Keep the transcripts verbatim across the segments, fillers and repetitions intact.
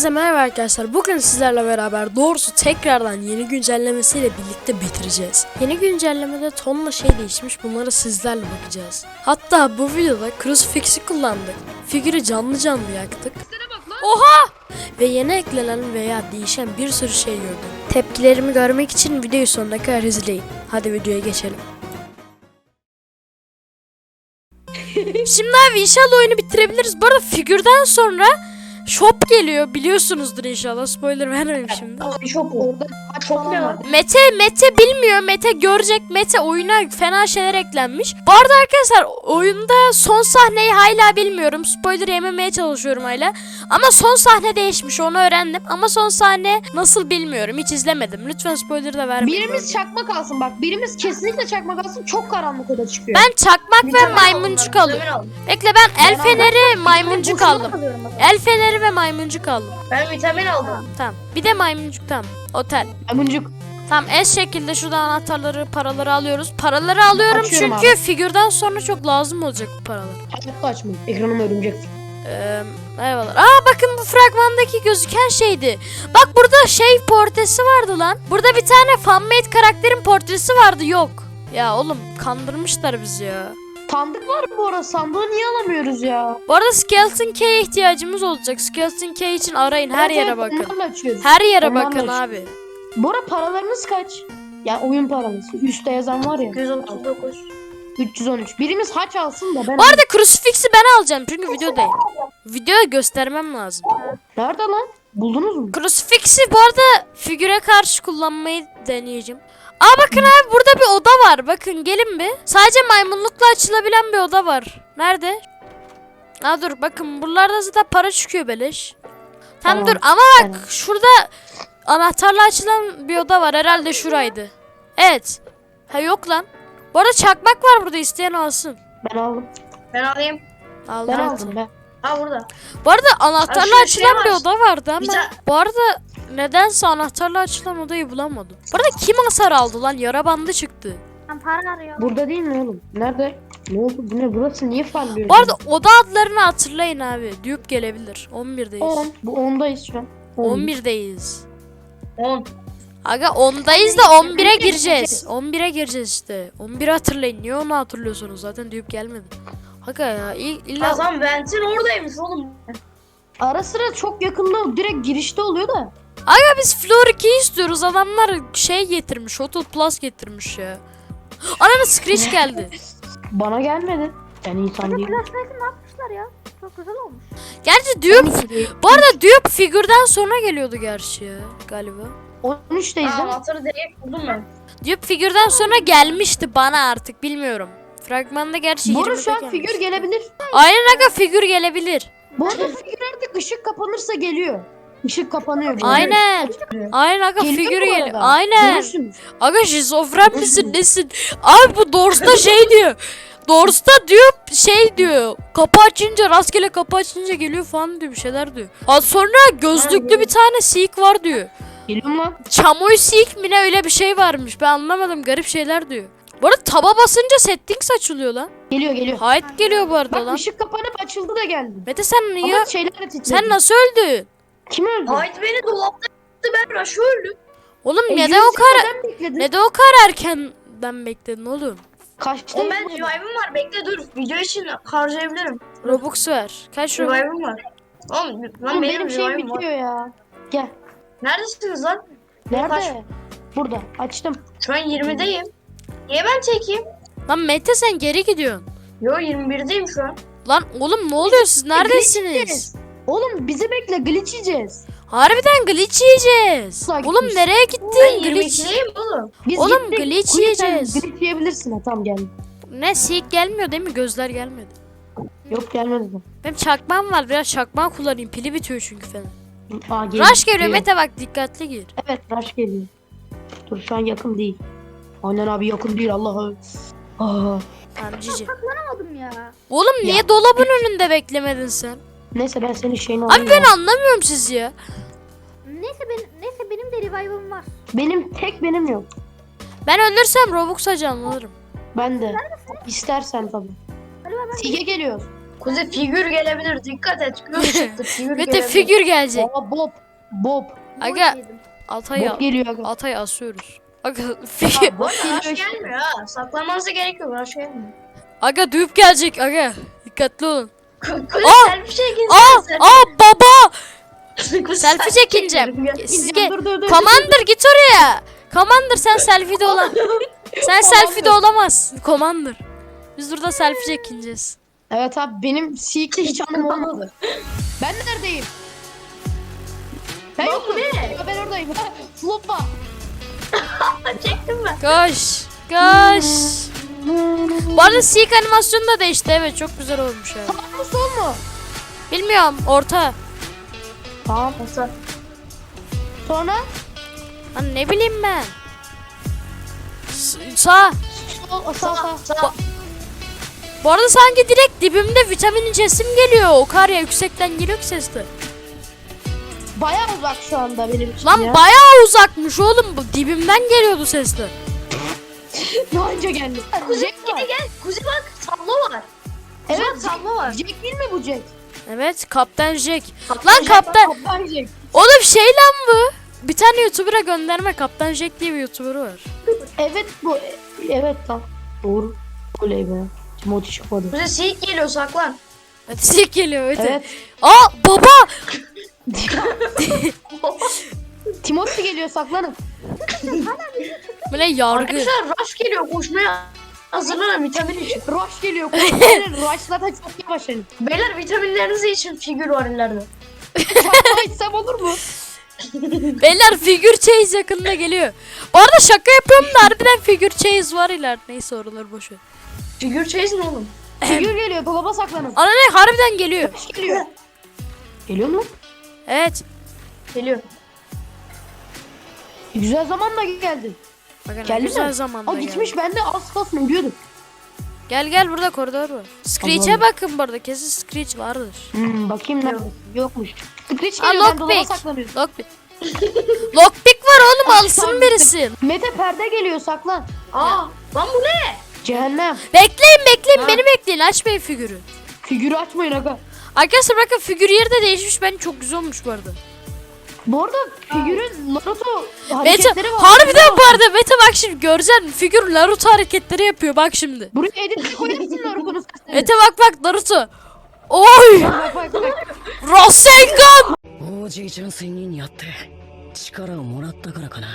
Herkese merhaba arkadaşlar. Bugün sizlerle beraber doğrusu tekrardan yeni güncellemesiyle birlikte bitireceğiz. Yeni güncellemede tonla şey değişmiş, bunları sizlerle bakacağız. Hatta bu videoda Crucifix'i kullandık. Figürü canlı canlı yaktık. Oha! Ve yeni eklenen veya değişen bir sürü şey gördüm. Tepkilerimi görmek için videoyu sonuna kadar izleyin. Hadi videoya geçelim. Şimdi abi inşallah oyunu bitirebiliriz. Bu arada figürden sonra shop geliyor, biliyorsunuzdur inşallah. Spoiler vermeyeyim şimdi. Shop orada çok ne var? Mete Mete bilmiyor. Mete görecek. Mete oyuna fena şeyler eklenmiş. Bu arada arkadaşlar oyunda son sahneyi hala bilmiyorum. Spoiler yememeye çalışıyorum hala. Ama son sahne değişmiş, onu öğrendim. Ama son sahne nasıl bilmiyorum. Hiç izlemedim. Lütfen spoiler da vermeyin. Birimiz çakmak alsın bak. Birimiz kesinlikle çakmak alsın. Çok karanlık oda çıkıyor. Ben çakmak ve maymuncuk alıyorum. Bekle, ben el feneri, maymuncuk aldım. El feneri ve maymuncuk aldım. Ben vitamin aldım. Tamam. Bir de maymuncuk, tamam. Otel. Maymuncuk. Tamam, es şekilde şuradan anahtarları, paraları alıyoruz. Paraları alıyorum Açıyorum çünkü abi. figürden sonra çok lazım olacak bu paralar. Hayatta açmayın. Ekranım örümcek. Ee, eyvallah. Aa bakın, bu fragmandaki gözüken şeydi. Bak burada şey portresi vardı lan. Burada bir tane fanmade karakterin portresi vardı, yok. Ya oğlum kandırmışlar bizi ya. Sandık var bu arada. Sandığı niye alamıyoruz ya? Bu arada Skeleton Key'e ihtiyacımız olacak. Skeleton Key için arayın, her Evet, yere evet, bakın. onlarla açıyoruz. Her yere Onlarla bakın açıyoruz. abi. Bu arada paralarınız kaç? Ya oyun paranız. Üstte yazan var ya. yüz otuz dokuz. üç yüz on üç. Birimiz haç alsın da ben... Bu arada Crucifix'i ben alacağım çünkü videodayım. Videoya göstermem lazım. Nerede lan? Buldunuz mu? Crucifix'i bu arada figüre karşı kullanmayı deneyeceğim. Aa bakın abi, burada bir oda var. Bakın gelin bir. Sadece maymunlukla açılabilen bir oda var. Nerede? Aa dur bakın, buralarda zaten para çıkıyor beleş. Tamam, Tamam, dur ama bak tamam. şurada anahtarla açılan bir oda var. Herhalde şuraydı. Evet. Ha yok lan. Bu arada çakmak var burada, isteyen alsın. Ben aldım. Ben alayım. Aldım. Ben aldım ben. Ha burada. Bu arada anahtarla Ha, şurada açılan şey bir var. oda vardı ama Bir ta- bu arada nedense anahtarla açılan odayı bulamadım. Bu arada kim hasar aldı lan? Yara bandı çıktı. Ben para arıyorum. Burada değil mi oğlum? Nerede? Ne oldu? Bu ne? Burası niye farlıyor? Bu arada oda adlarını hatırlayın abi. Dupe gelebilir. on birdeyiz. on. Bu ondayız şu an. on birdeyiz. on. Aga ondayız da on bire gireceğiz. on bire gireceğiz işte. on biri hatırlayın. Niye onu hatırlıyorsunuz? Zaten Dupe gelmedi. Aga ya il- illa... Hasan Vent'in oradaymış oğlum. Ara sıra çok yakında direkt girişte oluyor da. Aga biz Floor iki istiyoruz. Adamlar şey getirmiş. Hotel Plus getirmiş ya. Ananı Screech geldi. Bana gelmedi. Ben insan değilim. ne yapmışlar ya? Çok güzel olmuş. Gerçi Dupe... Bu arada Dupe figürden sonra geliyordu gerçi ya galiba. on üçteyiz Aa, değil mi? anahtarı direkt buldum ben. Dupe figürden sonra gelmişti bana, artık bilmiyorum. Fragmanda gerçi Bu arada yirmide şu an gelmiş. figür gelebilir. Aynen aga, figür gelebilir. Bu arada figür artık ışık kapanırsa geliyor. Işık kapanıyor. böyle. Aynen. Aynen aga, Geliyor figür bu geliyor. arada. Aynen. Görürsünüz. Aga şizofren misin nesin? Abi bu Doors'ta şey diyor. Doors'ta diyor şey diyor. Kapı açınca, rastgele kapı açınca geliyor falan diyor, bir şeyler diyor. Az sonra gözlüklü bir tane Seek var diyor. Geliyor mu lan? Chamoy Seek mi ne, öyle bir şey varmış. Ben anlamadım, garip şeyler diyor. Bu arada taba basınca settings açılıyor lan. Geliyor geliyor. Hayat geliyor bu arada Bak lan. ışık kapanıp açıldı da geldi. Mete sen niye? Ama şeyler de titredi. Sen nasıl öldün? Kim öldü? Haydi beni dolapta yaptı, ben Rush'ı öldüm. Oğlum E, neden o yüz kadar yıldan bekledin. neden o kadar erkenden bekledin oğlum? Kaçta? O ben revive'ım var, bekle dur. Video için harcayabilirim. Robux ver. Kaç Robux? Revive'ım var. Oğlum lan Oğlum, benim, benim şey revive'ım var. bitiyor ya. Gel. Neredesiniz lan? Nerede? Kaç? Burada. Açtım. Şu an yirmideyim. Niye ben çekeyim? Lan Mete sen geri gidiyorsun. Yo yirmi birdeyim şu an. Lan oğlum ne oluyor, siz neredesiniz? yiyeceğiz. Oğlum bizi bekle, glitch yiyeceğiz. Harbiden glitch yiyeceğiz. Ulan Oğlum gitmiş. nereye Ben gittin? yirmi Glitch. ikideyim oğlum. Biz Oğlum, gittik. glitch Queen, sen yiyeceğiz. Glitch yiyebilirsin ha, tamam geldim. Ne, Seek gelmiyor değil mi? Gözler gelmedi. Yok gelmedi mi? Benim çakmağım var, biraz çakmağı kullanayım. Pili bitiyor çünkü falan. Aa, geliyor. Rush geliyor Mete, bak dikkatli gir. Evet Rush geliyor. Dur şu an yakın değil. Aynen abi, yakın değil Allah'ım. Aa. Tamam cici. Saklanamadım ya. Oğlum niye Ya. dolabın önünde beklemedin sen? Neyse ben senin şeyini alayım. Abi ben ya. anlamıyorum sizi ya. Neyse benim neyse benim de revive'ım var. Benim tek benim yok. Ben ölürsem Robux'a canlanırım. Ben de. İstersen tabii. Hadi ben Sige geliyor. Kuzey figür gelebilir. Dikkat et. Göz çıktı. Figür Mete gelebilir. figür gelecek. Aa Bob. Bob. Aga Atay'ı Bob geliyor aga. Atay'ı asıyoruz. Aga figür. Bob Rush geliyor. gelmiyor ha. Saklanmanıza gerek yok. Rush gelmiyor. Aga düğüp gelecek aga. Dikkatli olun. Kuzey Aa! selfie çekin. Aa aa baba. Kuzey, Selfie çekineceğim. çekin. Siz İneceğim, ge- dur, dur, dur. Commander git oraya. Commander sen selfie'de olan. Sen selfie'de olamazsın Commander. Biz burada selfie çekineceğiz. Evet abi benim Seek hiç anım olmadı. Ben neredeyim? Ben Bak yokum. ne? Ya ben oradayım. Floppa. Çektim ben. Koş. Koş. Bu arada Seek animasyonu da değişti, evet çok güzel olmuş yani. Sağ mı sol mu? Bilmiyorum, orta. Tamam. Masa. Sonra Hani ne bileyim ben. S- sağ. sol, sağ sağ. Sağ. Bu arada sanki direkt dibimde vitamin cesim geliyor. O kar ya yüksekten geliyor ki sesli. Bayağı uzak şu anda benim için Lan ya. bayağı uzakmış oğlum. Bu dibimden geliyordu sesli. Ne önce geldi? Kuzey Jack gel var. gel. Kuzey bak tablo var. Evet Evet tablo var. Jack değil mi bu Jack? Evet, Kaptan Jack. Kaptan Lan Jack Kaptan. Kaptan Jack. Oğlum şey lan bu. Bir tane YouTuber'a gönderme. Kaptan Jack diye bir YouTuber var. Evet bu. Evet tamam. Doğru. Oley be. Timothy çıkmadı. Kuzey seyit geliyor saklan. Hadi Jack geliyor öte. Evet. Aa baba. Timothy geliyor saklanın. Bu ne yargı. Arkadaşlar Rush geliyor koşmaya. Hazırlanın vitamin için. Rush geliyor. Aynen, Rush zaten çok yavaş hani. Beyler vitaminleriniz için figür var ileride. Çakma içsem olur mu? Beyler figür chase yakında geliyor. Bu arada şaka yapıyorum da harbiden figür chase var ileride. Neyse oraları boş ver. Figür chase ne oğlum? Figür geliyor. Dolaba saklanın. Ana ne harbiden geliyor. Rush geliyor. Geliyor mu? Evet. Geliyor. Güzel zaman da geldi. Bakın Geldi güzel mi? zamanda O geldi. gitmiş ben de az kalsın ölüyordum. Gel gel burada koridor var. Screech'e Allah'ım. bakın burada, kesin Screech vardır. Hmm, bakayım nerede? Yokmuş. Screech Aa geliyor ben dolaba lockpick. saklanıyorum. Lockpick. Lockpick var oğlum, Ay, alsın tamam, birisi. Mete perde geliyor saklan. Aa lan bu ne? Cehennem. Bekleyin bekleyin Ha. beni bekleyin, açmayın figürü. Figürü açmayın aga. Arkadaşlar bakın figür yeri de değişmiş, bence çok güzel olmuş bu arada. Bu arada figürün Naruto Mete hareketleri var. harbiden bu arada Mete bak şimdi göreceksin, figür Naruto hareketleri yapıyor bak şimdi. Buraya edit koyarsın Naruto'nun sesini. Mete bak bak Naruto. Oy! Bak bak bak. Rasengan! 王子純粋にやって力をもらったからかな。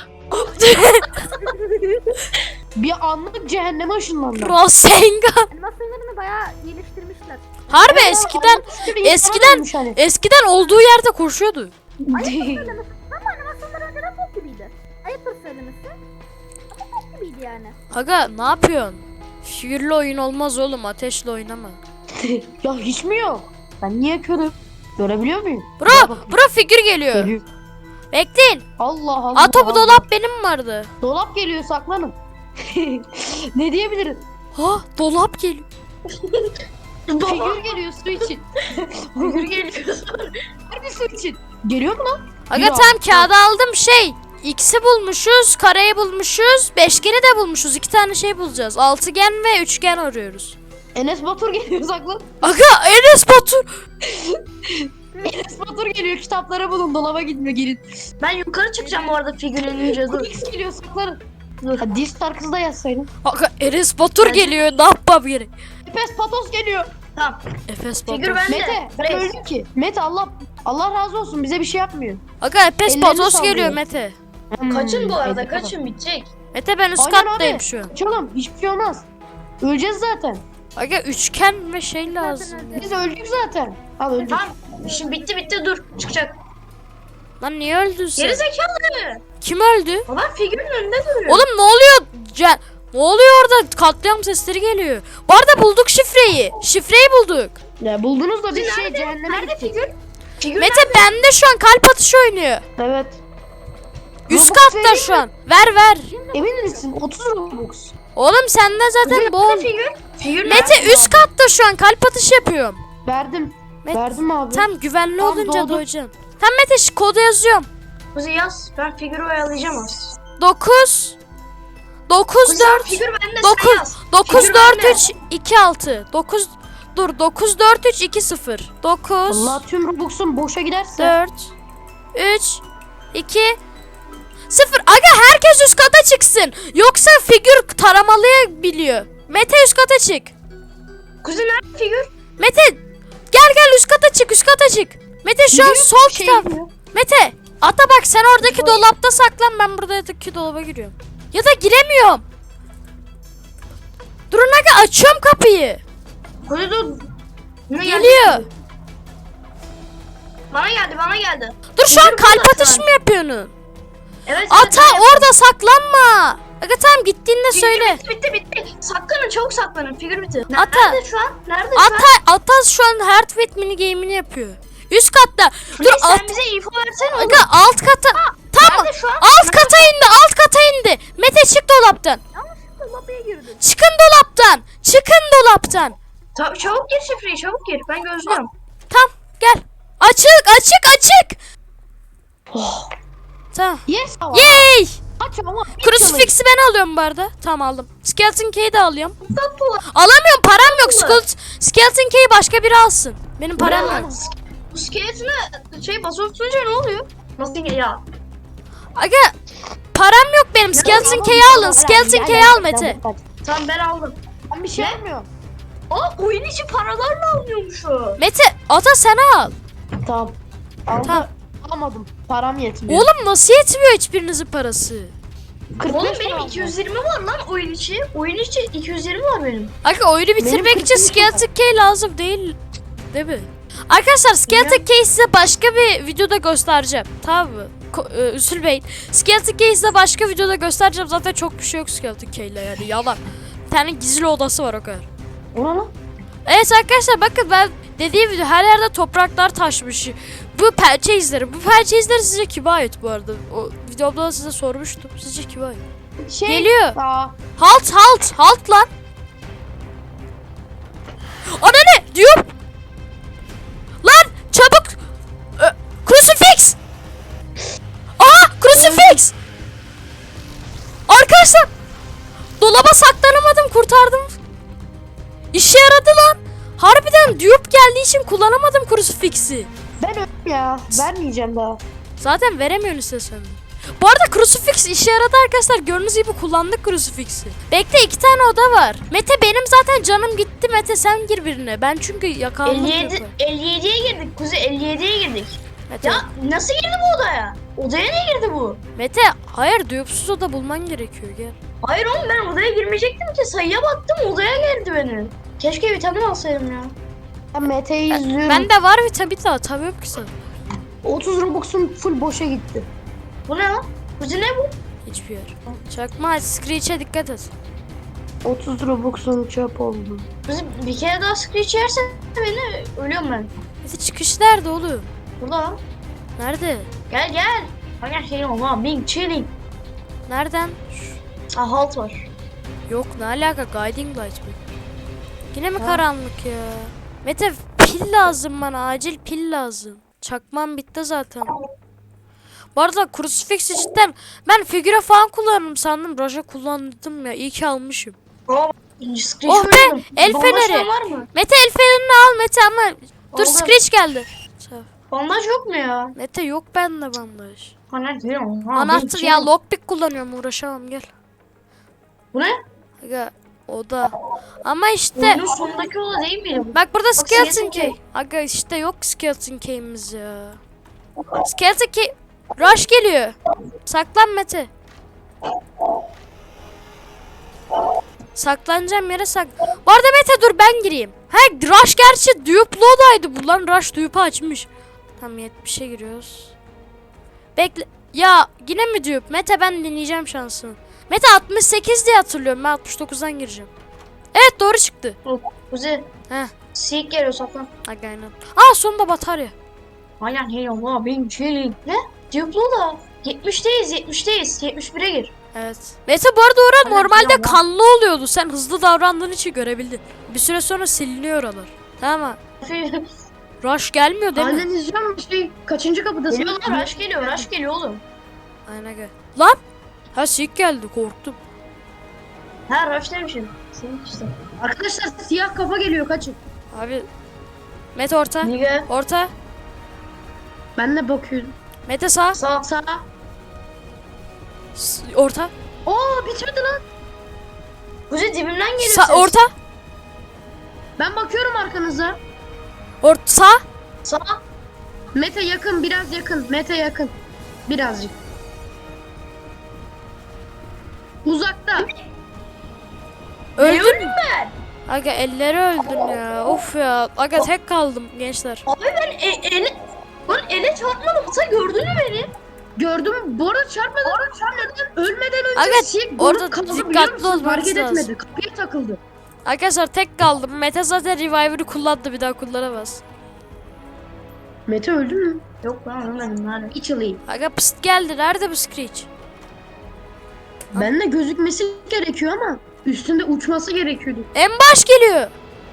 Bir anlık cehenneme ışınlandı. Rasengan! Animasyonlarını bayağı geliştirmişler. Harbi Evet, eskiden anlık bir insana eskiden dönmüş hani. eskiden olduğu yerde koşuyordu. Ama animasyonlar önceden pop gibiydi. Ayıptır söylemesi. Ama pop gibiydi yani. Aga ne yapıyorsun? Figürlü oyun olmaz oğlum, ateşle oynama. Ya hiç mi yok? Ben niye körüm? Görebiliyor muyum? Gel Bro, bakayım. bro figür geliyor. Geliyor. Bekleyin. Allah Allah. Aa topu Allah. dolap benim vardı. Dolap geliyor saklanın. Ne diyebilirim? Ha dolap geliyor. Figür geliyor su için. Figür geliyor. Harbi su için. Geliyor mu lan? Aga Yok. tam kağıda aldım şey. X'i bulmuşuz, kareyi bulmuşuz, beşgeni de bulmuşuz. İki tane şey bulacağız. Altıgen ve üçgen arıyoruz. Enes Batur geliyor saklan. Aga Enes Batur. Enes Batur geliyor kitaplara bulun dolaba gitme gelin. Ben yukarı çıkacağım bu arada figür inince dur. X geliyor saklanın. Ha, Distar kızı da yazsaydın. Aga Enes Batur Ben- geliyor. Ne yapmam gerek? Efes Patos geliyor. Tamam. Efes Figür Batur. bende. Mete ben Reis. öldüm ki. Mete Allah Allah razı olsun bize bir şey yapmıyor. Aga Efes Ellerini Patos sallıyor. geliyor Mete. Kaçın bu Hmm, arada Mete kaçın bitecek. Mete ben üst Aynen kattayım abi. şu an. Kaçalım hiçbir şey olmaz. Öleceğiz zaten. Aga üçgen ve şey lazım. Zaten öyle. Biz öldük zaten. Al öldük. Tamam. Şimdi bitti bitti dur çıkacak. Lan niye öldün sen? Geri zekalı. Kim öldü? Adam figürün önünde duruyor. Oğlum ne oluyor? Ce- ne oluyor orada? Katliam sesleri geliyor. Bu arada bulduk şifreyi. Şifreyi bulduk. Ya buldunuz da biz Nerede? şey cehenneme Nerede gittik. figür? Figür Mete bende şu an kalp atışı oynuyor. Evet. Üst Robux katta vereyim şu an. Ver ver. Emin misin? otuz Robux. Oğlum sende zaten bol. Nerede figür? Figür Mete nerede? üst katta şu an kalp atışı yapıyorum. Verdim. Mete, Verdim abi. tam güvenli Tam olunca doğdu. doyacaksın. Tam Mete şu kodu yazıyorum. Kuzey yaz. Ben figürü oyalayacağım az. dokuz dokuz Kuzey dört figür bende sen dokuz yaz. dokuz Figür dört bende. üç iki altı dokuz dur dokuz dört üç iki sıfır. dokuz Allah tüm Robux'un boşa giderse. dört üç iki sıfır. Aga herkes üst kata çıksın. Yoksa figür taramalıyabiliyor. Mete üst kata çık. Kuzi nerede figür? Mete gel gel üst kata çık üst kata çık. Mete şu an sol şey kitap. diyor. Mete ata bak sen oradaki dolapta saklan, ben buradaki dolaba giriyorum. Ya da giremiyorum. Durun aga açıyorum kapıyı. Kuzi dur. Ne geldi? Geliyor. Bana geldi bana geldi. Dur şu an Figür kalp burada atışı şu an. mı yapıyorsun? Evet. Ata evet, orada saklanma. Aga tamam gittiğinde Figür söyle. Bitti bitti bitti. Saklanın çabuk saklanın. Figür bitti. Ata. Nerede şu an? Nerede şu an? Ata, Ata şu an Heartbeat mini game'ini yapıyor. Üst katta. Dur Kuzi, sen alt, bize info versene oğlum. aga alt kata. Tamam. Nerede şu an? Alt kata indi, alt kata indi. Mete çık dolaptan. Yanlışlıkla lobby'ye girdin. Çıkın dolaptan. Çıkın dolaptan. Ta- çabuk gir şifreyi çabuk gir. Ben gözlüyorum. Tamam gel. Açık açık açık. Oh. Tamam. Yes ama. Yay. Aç ama. Crucifix'i ben alıyorum bu arada. Tamam aldım. Skeleton Key'i de alıyorum. Tatlı olan. Alamıyorum, param yok. Skeleton, Skeleton Key'i başka biri alsın. Benim param yok. Bu skeletine şey basıp tutunca ne oluyor? Nasıl ya? Aga param yok benim. Skeleton Key'i alın. Skeleton Key'i al Mete. Tamam ben aldım. Ben bir şey Ne? yapmıyorum. Aa oyun içi paralarla alınıyormuş o. Mete ata sen al. Tamam. Aldım. Tamam. Alamadım. Param yetmiyor. Oğlum nasıl yetmiyor hiçbirinizin parası? kırk Oğlum beş benim param iki yüz yirmi var lan oyun içi. Oyun içi iki yüz yirmi var benim. Aga oyunu bitirmek kırk için beş Skeleton Key lazım değil. Değil mi? Arkadaşlar Skeleton Key'i size başka bir videoda göstereceğim. Tamam mı? Ko- e, üzülmeyin. Skeleton Key'i size başka videoda göstereceğim. Zaten çok bir şey yok Skeleton Key'le yani yalan. Bir tane gizli odası var o kadar. var. Ona lan. Evet arkadaşlar bakın ben dediğim video her yerde topraklar taşmış. Bu pençe izleri. Bu pençe izleri sizce kime ait bu arada? O videomda da size sormuştum. Sizce kime ait? Şey. Geliyor. Aa, Halt halt halt lan. Ana ne diyor? Lan çabuk. Ö, Crucifix. Aa crucifix. Arkadaşlar dolaba saklanamadım, kurtardım. İşe yaradı lan. Harbiden dupe geldiği için kullanamadım crucifix'i. ben öldüm ya. Vermeyeceğim daha. Zaten veremiyorsun istesen. Bu arada crucifix işe yaradı arkadaşlar. Gördüğünüz gibi kullandık crucifix'i. Bekle iki tane oda var. Mete benim zaten canım gitti. Mete sen gir birine. Ben çünkü yakalandım. elli yedi elli yediye girdik Kuzi elli yediye girdik. Mete, Ya nasıl girdi bu odaya? Odaya niye girdi bu? Mete hayır duyupsuz oda bulman gerekiyor gel. Hayır oğlum ben odaya girmeyecektim ki sayıya baktım odaya girdi beni. Keşke vitamin alsaydım ya. Ben Mete'yi izliyorum. Ben de var vitamin de atamıyorum ki sana. otuz Robux'um full boşa gitti. Bu ne lan? Kuzi ne bu? Hiçbir yer. Çakma Screech'e dikkat et. otuz Robux'um çöp oldu. Kuzi bir kere daha screech yersen beni ölüyorum ben. Mete çıkış nerede oğlum? Burada lan. Nerede? Gel gel. Hayır şey olma. Being chilling. Nereden? Ah halt var. Yok ne alaka guiding light mi? Yine mi Ha. karanlık ya? Mete pil lazım bana, acil pil lazım. Çakmam bitti zaten. Bu arada crucifix'i cidden ben figüre falan kullanırım sandım. Raja kullandım ya, iyi ki almışım. Aa, screech Oh be, öldürdüm. el Bandaj feneri. var mı? Mete el fenerini al Mete ama dur Aldım. Screech geldi. Bandaj yok mu ya? Mete yok bende bandaj. Anahtar değil mi? Ha, Anahtar being ya, chilling. lockpick kullanıyorum, uğraşamam gel. Bu ne? Aga oda. Ama işte Oyunun sonundaki oda değil miydi bu? bak burada Skeleton Skeleton Key. Key. Aga işte yok Skeleton Key'imiz ya. Skeleton Key. Rush geliyor. Saklan Mete. Saklanacağım yere sak. Bu arada Mete dur ben gireyim. Ha Rush gerçi Dupe'lu odaydı bu lan. Rush Dupe'u açmış. Tamam yetmişe giriyoruz. Bekle. Ya yine mi Dupe? Mete ben deneyeceğim şansını. Mete altmış sekiz diye hatırlıyorum. Ben altmış dokuzdan gireceğim. Evet doğru çıktı. Kuzi. Heh. Sik geliyor saklan. Aga aynen. Aa sonunda batarya. Aynen hey Allah being chilling. Ne? Duplo da. yetmişteyiz yetmişteyiz. yetmiş bire gir. Evet. Mete bu arada oran Aynen, normalde tamam. kanlı oluyordu. Sen hızlı davrandığın için görebildin. Bir süre sonra siliniyor oralar. Tamam mı? Rush gelmiyor değil mi? Aynen izliyorum şey. Kaçıncı kapıdasın? Geliyor lan rush geliyor rush geliyor oğlum. Aynen gel. Lan! Ha sik geldi korktum. Ha rush demişim. Senin işte. Arkadaşlar siyah kafa geliyor kaçın. Abi. Mete orta. Niye? Orta. Ben de bakıyorum. Mete sağ. Sağ. Sağ. S- Orta. Oo bitmedi lan. Kuzi dibimden geliyor Sa- ses. orta. Ben bakıyorum arkanıza. Orta. Sağ. Sağ. Mete yakın, biraz yakın. Mete yakın. Birazcık. Uzakta. Öldün. Öldüm ben. Aga elleri öldüm ya. Of ya. Aga tek kaldım gençler. Abi ben e ele... Lan ele çarpmadım. Sen gördün mü beni? Gördüm. Bu arada çarpmadan, çarpmadan ölmeden önce Aga, siyek orada donuk kaldı, dikkatli biliyor musun? olmanız Hareket lazım. etmedi. Kapıya takıldı. Arkadaşlar tek kaldım. Mete zaten reviver'ı kullandı. Bir daha kullanamaz. Mete öldü mü? Yok lan ölmedim nerede? İç alayım. Aga pıst geldi. Nerede bu Screech? Ben de gözükmesi gerekiyor ama üstünde uçması gerekiyordu. En baş geliyor.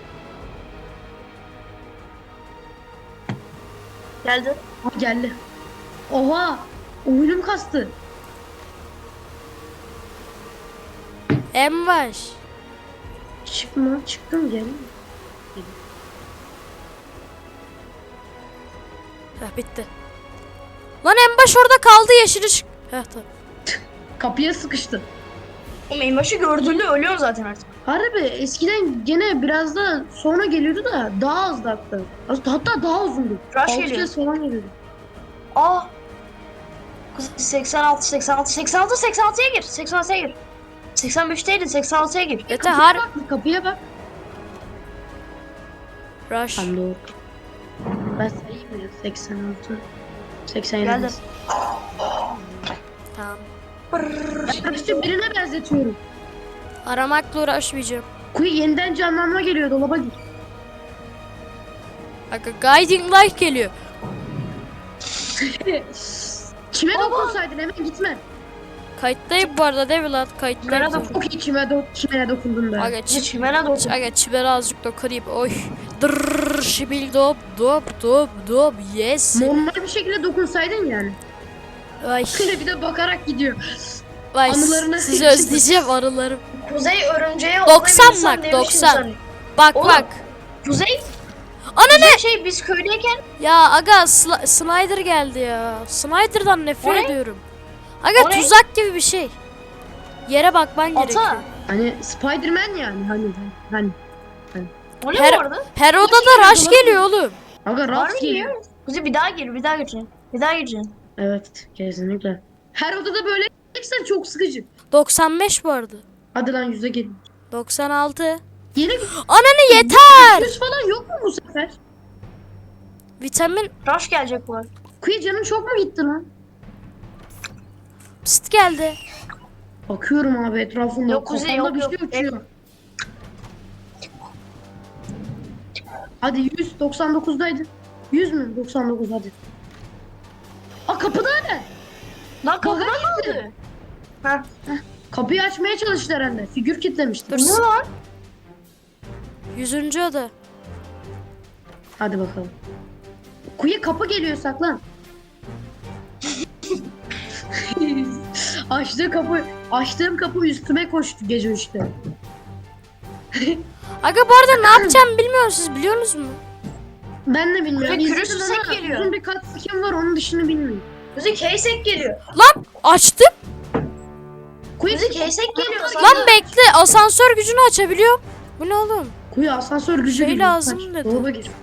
Geldi. Ha, geldi. Oha! Oyunum kastı. En baş. Çıkma, çıktım gel. Heh bitti. Lan en baş orada kaldı yeşil ışık. Heh tamam. Kapıya sıkıştı. Oğlum en başı gördüğünde ölüyor zaten artık. Harbi eskiden gene biraz da sonra geliyordu da daha azdı hatta. Hatta daha uzundu. Rush Altı geliyor. kez falan geliyordu. Aa. Kuzi seksen altı seksen altı seksen altı seksen altıya gir. seksen altıya gir. seksen beşteydin seksen altıya gir. Mete Kapıya har. bak, kapıya bak. Rush. Tam doğru. Ben sayayım ya. seksen altı. seksen yedi. Geldi. Tamam. Ben işte birine benzetiyorum. Aramakla uğraşmayacağım. Kuyu yeniden canlanma geliyor, dolaba gir. Aga guiding light geliyor. Çime dokunsaydın hemen gitme. Kayıttayım bu arada değil mi lan? Kayıttayım. Nerede zaten. Çok iyi çime, do çimene dokundun be. Aga Kuzi çi çimene dokun. Aga çibere azıcık dokunayım. Oy. Dırrrr şibil dop dop dop dop yes. Normal bir şekilde dokunsaydın yani. Ay. Bir de bakarak gidiyor. Vay Anılarına sizi sevdim. özleyeceğim arılarım. Kuzey örümceğe doksan olmayı bak, bilirsen doksan. demişim sana. Bak Oğlum. bak. Kuzey. Ana Kuzey şey biz köydeyken Ya aga Sla- Snyder geldi ya. Snyder'dan nefret O ne? ediyorum. Aga O ne? tuzak gibi bir şey. Yere bakman gerekiyor. ata. Hani Spider-Man yani hani hani. O ne Her- bu arada? Her odada rush geliyor oğlum. Aga Var rast mı geliyor. ya? Kuzey bir daha gir bir daha gireceksin. Bir daha gireceksin. Evet kesinlikle. Her odada böyle eksen çok sıkıcı. doksan beş bu arada. Hadi lan yüze gelin. doksan altı. Yeni Ananı yeter. yüz falan yok mu bu sefer? Vitamin Rush gelecek bu arada. Kuyu canın çok mu gitti lan? pst geldi. Bakıyorum abi etrafında. Yok, Kuzey, Kafamda yok, bir şey yok. uçuyor. Hadi yüz doksan dokuzdaydı. yüz mü? doksan dokuz hadi. Aa kapıda ne? Lan kapıda Baga ne gitti. oldu? Ha. Kapıyı açmaya çalıştı herhalde. Figür kitlemişti. Dur. Ne lan? Yüzüncü oda. Hadi bakalım. Kuyu kapı geliyor saklan. Açtığı kapı, açtığım kapı üstüme koştu gece üçte. Aga bu arada ne yapacağım bilmiyorum, siz biliyorsunuz mu? Ben de bilmiyorum. Kuzey, kürüs İzledim yüksek ama geliyor. uzun bir kat sikim var onun dışını bilmiyorum. Kuzey Keysek geliyor. Lan açtım. Kuyu, Kuzey Keysek geliyor. Lan bekle, asansör gücünü açabiliyorum. Bu ne oğlum? Kuyu asansör gücü Şey geliyor. lazım Kaç, dedi. dolaba gir.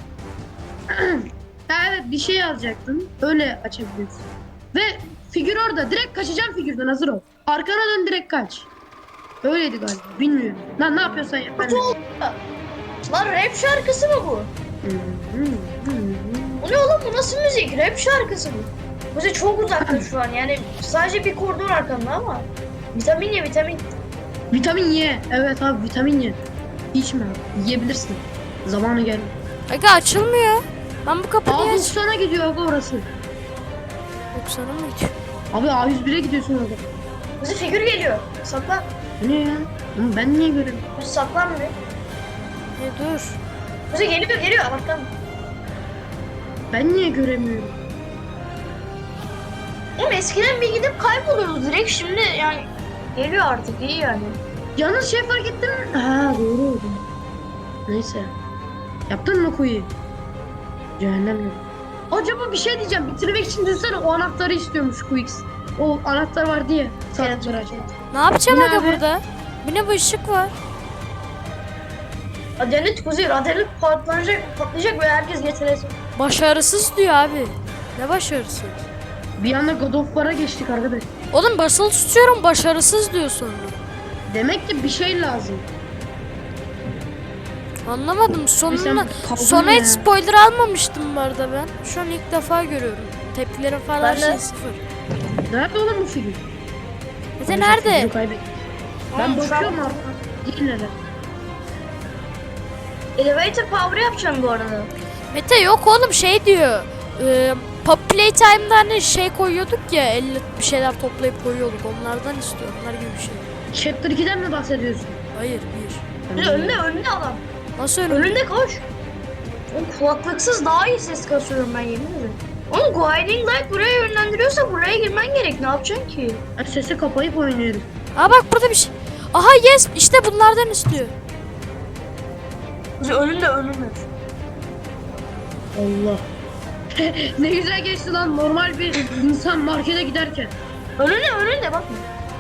Ha, evet bir şey alacaktın. Öyle açabiliyorsun. Ve figür orada. Direkt kaçacağım figürden, hazır ol. Arkana dön, direkt kaç. Öyleydi galiba. Bilmiyorum. Lan ne yapıyorsan yap. Ben de- Lan rap şarkısı mı bu? Bu ne oğlum, bu nasıl müzik? Rap şarkısı bu. Kuzey çok uzakta şu an yani sadece bir koridor arkanda ama. Vitamin ye vitamin. Vitamin ye. Evet abi vitamin ye. İçme abi. Yiyebilirsin. Zamanı geldi. Aga açılmıyor. Ben bu kapıyı A niye aç... doksan'a gidiyor abi orası. doksan'a mı gidiyor? Abi A yüz bire gidiyorsun orada. Kuzey figür geliyor. Saklan. Bu ne ya? Oğlum ben niye görüyorum? Kuzey saklan mı? E dur. Kuzey geliyor geliyor Allah'tan. Ben niye göremiyorum? Oğlum eskiden bir gidip kayboluyoruz direkt, şimdi yani geliyor artık, iyi yani. Yalnız şey fark ettim mi? Ha doğru oldu. Neyse. Yaptın mı kuyu? Cehennem yok. Acaba bir şey diyeceğim. Bitirmek için düşünsene o anahtarı istiyormuş Quix. O anahtar vardı ya. Sanatları açmak. Ne yapacağım Bu ne aga abi? burada? Bu ne, bu ışık var? Adalet Kuzey, adalet patlayacak, patlayacak ve herkes getirecek. Başarısız diyor abi. Ne başarısı? Bir anda God of War'a geçtik arkadaş. Oğlum basılı tutuyorum, başarısız diyor sonra. Demek ki bir şey lazım. Anlamadım. Ay Sonuna, sen kaldın sona ya. hiç spoiler almamıştım bu arada ben. Şu an ilk defa görüyorum. Tepkilerim falan Ben de. şey sıfır. Nerede oğlum bu figür? Mete Figürü nerede? kaybettim. Ben Oğlum, şu an- bakıyorum artık. Değil neler. Elevator power yapacağım bu arada. Mete yok oğlum, şey diyor. E, Pop Playtime'da hani şey koyuyorduk ya, elle bir şeyler toplayıp koyuyorduk. Onlardan istiyor. Onlar gibi bir şey. Chapter iki'den mi bahsediyorsun? Hayır, bir. Bir de önüne önüne adam. Nasıl önüm? Önünde koş. Oğlum kulaklıksız daha iyi ses kasıyorum ben yemin ederim. Oğlum Guiding Light buraya yönlendiriyorsa buraya girmen gerek. Ne yapacaksın ki? Ben sesi kapayıp oynuyorum. Aa bak burada bir şey. Aha yes, işte bunlardan istiyor. Kuzey önünde önünde. Allah. Ne güzel geçti lan normal bir insan markete giderken. Önünde önünde bak.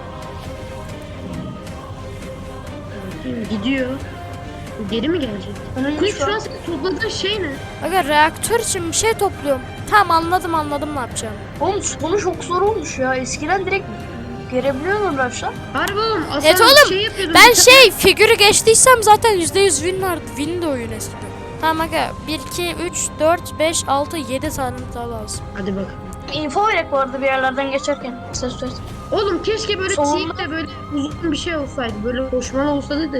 Bakayım, gidiyor. Geri mi gelecek? Önünde Kuş şu şu an. an senin topladığın şey ne? Aga reaktör için bir şey topluyorum. Tamam, anladım anladım ne yapacağım. Oğlum sonu çok zor olmuş ya. Eskiden direkt görebiliyor musun Raşla? Harbi oğlum aslında Evet oğlum, şey yapıyordum. Ben bir tane- şey figürü geçtiysem zaten yüzde yüz win vardı. Win de oyun eskiden. Tamam aga, bir, iki, üç, dört, beş, altı, yedi tane daha lazım. Hadi bak. Info verek bu arada bir yerlerden geçerken. Ses ver. Oğlum keşke böyle Sonunda- tiyik de böyle uzun bir şey olsaydı. Böyle koşmalı olsaydı da.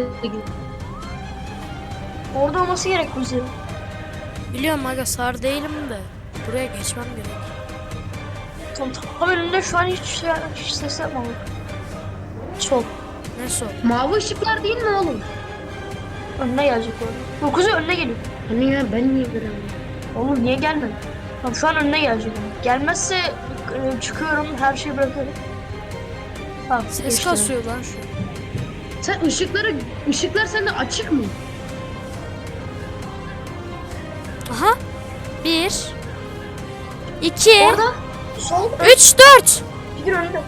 Orada olması gerek Kuzey. Biliyorum aga, sar değilim de. Buraya geçmem gerek. Tam tam önünde şu an hiç, şey, hiç ses yapmadık. Sol. Ne sor? Mavi ışıklar değil mi oğlum? Önüne gelecek orada. Yok Kuzey önüne geliyor. Hani ya ben niye göremiyorum? Oğlum niye gelmedi? Tamam şu an önüne gelecek. Gelmezse e, çıkıyorum her şeyi bırakıyorum. Tamam, Ses geçti. kasıyor lan şu. Sen ışıkları, ışıklar sende açık mı? Aha. Bir. iki. Orada sol Üç, dört. figür önünde.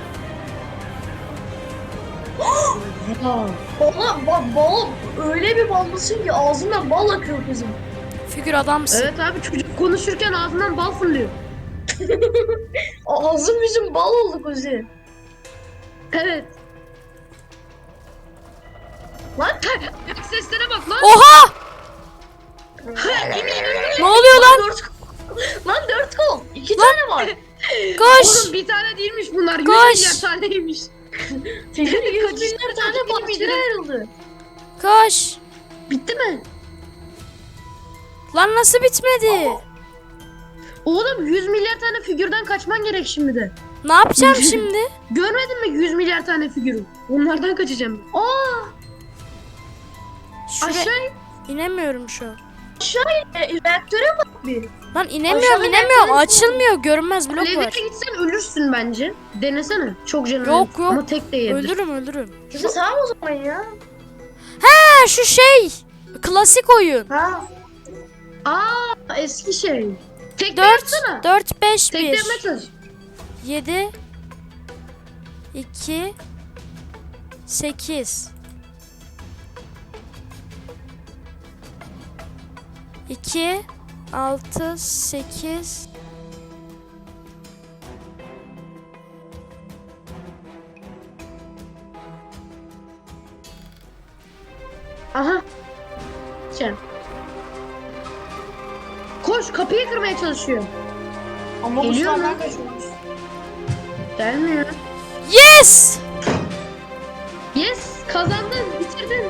Ha. Bala, bal, bal, öyle bir ballısın ki ağzından bal akıyor kızım. Figür adamsın. Evet abi çocuk konuşurken ağzından bal fırlıyor. Ağzım yüzüm bal oldu Kuzey. Evet. Lan Ayak seslere bak lan. Oha! Ne oluyor lan? dört lan dört kol. İki tane var. Koş. Oğlum bir tane değilmiş bunlar. Yüz Koş. milyar taneymiş. Figür yüz Kaç binler tane tane çocuk parçaya bilmiyorum. ayrıldı. Koş. Bitti mi? Lan nasıl bitmedi? Oğlum yüz milyar tane figürden kaçman gerek şimdi de. Ne yapacağım şimdi? Görmedin mi yüz milyar tane figürü? Onlardan kaçacağım. Aa, Şuraya aşağı inemiyorum şu an. E, reaktöre bak bir. Lan inemiyorum Aşağı inemiyorum. inersen- Açılmıyor. Görünmez blok levye var. gitsen ölürsün bence. Denesene. Çok canım. Yok, yok. Ama tek de yiyebilir. Öldürürüm öldürürüm. Kuzey tamam o zaman ya. Ha şu şey. Klasik oyun. Ha. Aa eski şey. Tek de dört, yapsana. dört, beş, Tek de bir. yapmaya çalış. yedi. iki. sekiz. iki. altı, sekiz. Aha. Sen. Koş kapıyı kırmaya çalışıyor. Ama bu Geliyor sağdan mu? kaçıyormuş. Gelmiyor. Yes! Yes kazandın bitirdin.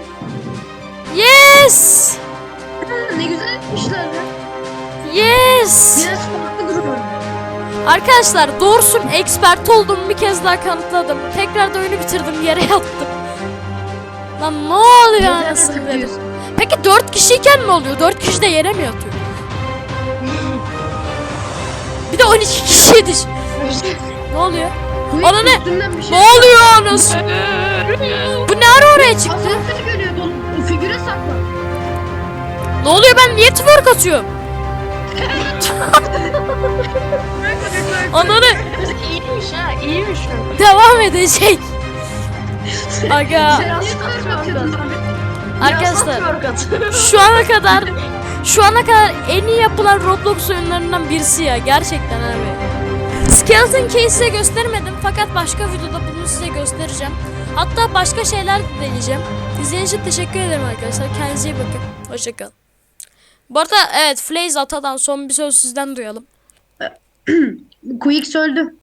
Yes! Ha, ne güzel etmişler lan. Yes! Biraz farklı durum. Arkadaşlar doğrusun expert olduğumu bir kez daha kanıtladım. Tekrar da oyunu bitirdim, yere yattım. Lan ne oluyor anasını dedim. Peki dört kişiyken ne oluyor? dört kişi de yere mi yatıyor? Bir de on iki kişiydi. Ne oluyor? Ana ne? Üstünden bir şey. Ne oluyor anasını? Bu ne ara oraya çıktı? Asansör geliyor dolu. O figüre sakla. Ne oluyor, ben niye twerk atıyorum? Ananı İyiymiş ha, iyiymiş o. devam edecek. Aga Biraz twerk at. arkadaşlar Biraz twerk at. şu ana kadar şu ana kadar en iyi yapılan Roblox oyunlarından birisi ya, gerçekten abi. Skeleton Key'i size göstermedim fakat başka videoda bunu size göstereceğim. Hatta başka şeyler de deneyeceğim. İzlediğiniz için teşekkür ederim arkadaşlar. Kendinize iyi bakın. Hoşçakalın. Bu arada evet, Flaze Ata'dan son bir söz sizden duyalım. Quick öldü.